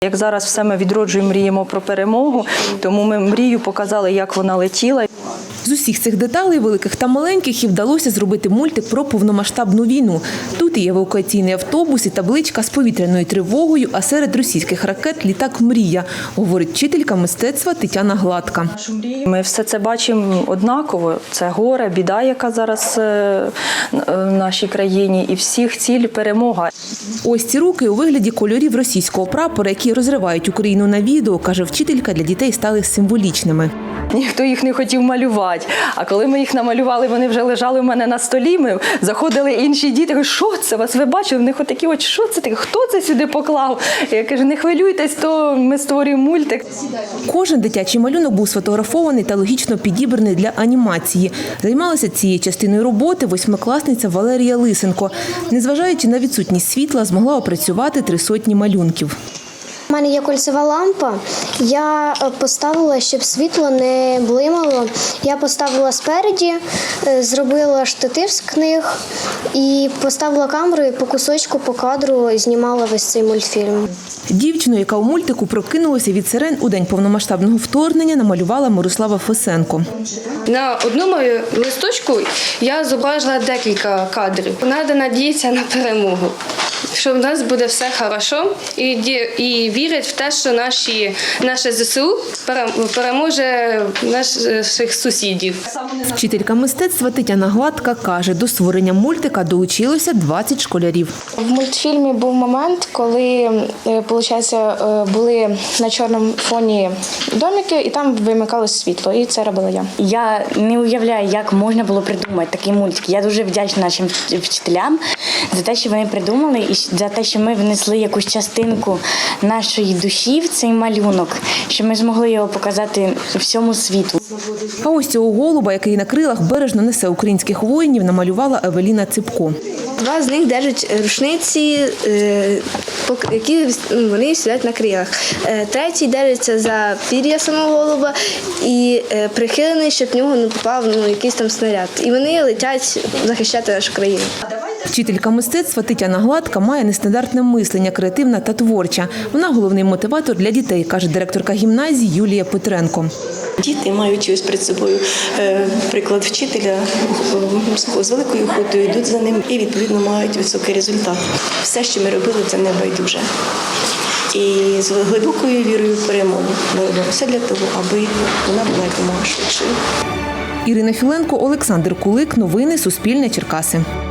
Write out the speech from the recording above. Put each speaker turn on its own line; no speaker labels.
Як зараз все ми відроджуємо, мріємо про перемогу, тому ми мрію показали, як вона летіла.
З усіх цих деталей, великих та маленьких, і вдалося зробити мультик про повномасштабну війну. Тут і евакуаційний автобус, і табличка з повітряною тривогою, а серед російських ракет – літак «Мрія», говорить вчителька мистецтва Тетяна Гладка.
Ми все це бачимо однаково. Це горе, біда, яка зараз в нашій країні, і всіх ціль – перемога.
Ось ці руки у вигляді кольорів російського прапора, які розривають Україну на відео, каже вчителька, для дітей стали символічними.
Ніхто їх не хотів малювати. А коли ми їх намалювали, вони вже лежали у мене на столі, ми заходили інші діти, кажуть, що це, вас ви бачили? В них отакі очі, що це таке, хто це сюди поклав? Я кажу, не хвилюйтесь, то ми створюємо мультик.
Кожен дитячий малюнок був сфотографований та логічно підібраний для анімації. Займалася цією частиною роботи восьмикласниця Валерія Лисенко. Незважаючи на відсутність світла, змогла опрацювати 300 малюнків.
У мене є кольцева лампа. Я поставила, щоб світло не блимало. Я поставила спереді, зробила штатив з книг і поставила камеру і по кусочку, по кадру знімала весь цей мультфільм.
Дівчину, яка у мультику прокинулася від сирен у день повномасштабного вторгнення, намалювала Мирослава Фесенко.
На одному листочку я зображила декілька кадрів. Треба надіятися на перемогу, що в нас буде все добре, і вірять в те, що наше ЗСУ переможе наших сусідів.
Вчителька мистецтва Тетяна Гладка каже, до створення мультика долучилося 20 школярів.
В мультфільмі був момент, коли, були на чорному фоні домики, і там вимикалось світло, і це робила я.
Я не уявляю, як можна було придумати такий мультик. Я дуже вдячна нашим вчителям за те, що вони придумали, і за те, що ми внесли якусь частинку нашої душі в цей малюнок, що ми змогли його показати всьому світу.
А ось цього голуба, який на крилах бережно несе українських воїнів, намалювала Евеліна Ципко.
Два з них держать рушниці, які вони сидять на крилах. Третій держиться за пір'я самого голуба і прихилений, щоб в нього не попав якийсь там снаряд. І вони летять захищати нашу країну.
Вчителька мистецтва Тетяна Гладка має нестандартне мислення, креативна та творча. Вона головний мотиватор для дітей, каже директорка гімназії Юлія Петренко.
Діти, маючи ось перед собою приклад вчителя, з великою охотою йдуть за ним і, відповідно, мають високий результат. Все, що ми робили, це не байдуже. І з глибокою вірою в перемогу ми робимо все для того, аби вона була якомога швидшою.
Ірина Філенко, Олександр Кулик. Новини Суспільне. Черкаси.